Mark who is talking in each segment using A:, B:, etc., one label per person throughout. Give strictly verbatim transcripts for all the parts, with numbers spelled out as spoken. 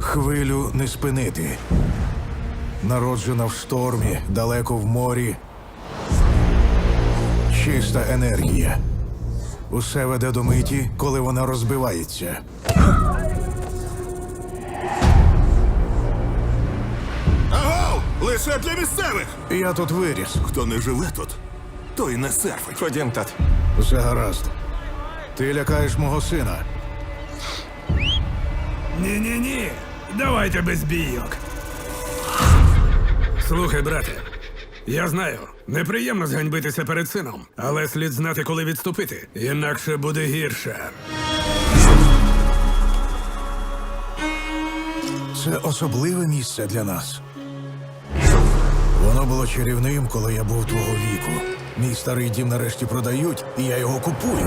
A: Хвилю не спинити. Народжена в штормі, далеко в морі. Чиста енергія. Усе веде до миті, коли вона розбивається.
B: Агов! Лише для місцевих!
A: Я тут виріс.
B: Хто не живе тут, той не серфить.
C: Ходім, тат.
A: Все гаразд. Ти лякаєш мого сина.
D: Ні-ні-ні, давайте без бійок. Слухай, брате, я знаю, неприємно зганьбитися перед сином, але слід знати, коли відступити, інакше буде гірше.
A: Це особливе місце для нас. Воно було чарівним, коли я був твого віку. Мій старий дім нарешті продають, і я його купую.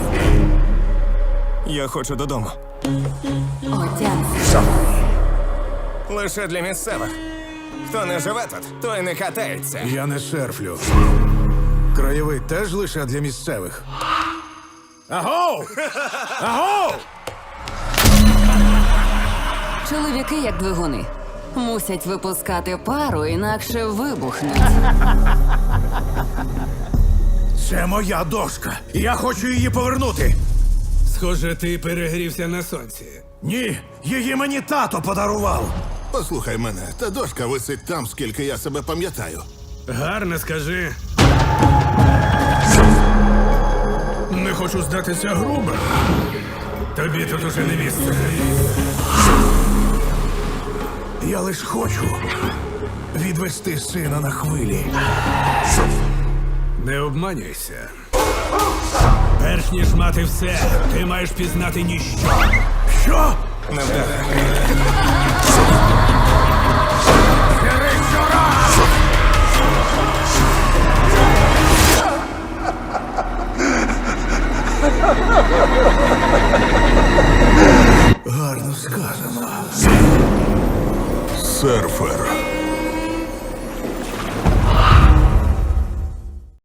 C: Я хочу додому.
E: Отямся.
C: Лише для місцевих. Хто не живе тут, той не катається.
A: Я не серфлю. Краєвид теж лише для місцевих.
D: Агов! Агов!
E: Чоловіки, як двигуни, мусять випускати пару, інакше вибухнуть.
A: Це моя дошка. Я хочу її повернути.
D: Схоже, ти перегрівся на сонці.
A: Ні, її мені тато подарував.
B: Послухай мене, та дошка висить там, скільки я себе пам'ятаю.
D: Гарно скажи. Не хочу здатися грубо. Тобі тут уже не місце.
A: Я лиш хочу відвести сина на хвилі.
D: Не обманюйся. Перш ніж мати все, ти маєш пізнати ніщо.
A: Що?
C: Не вдаре.
A: Гарно сказано.
B: Серфер.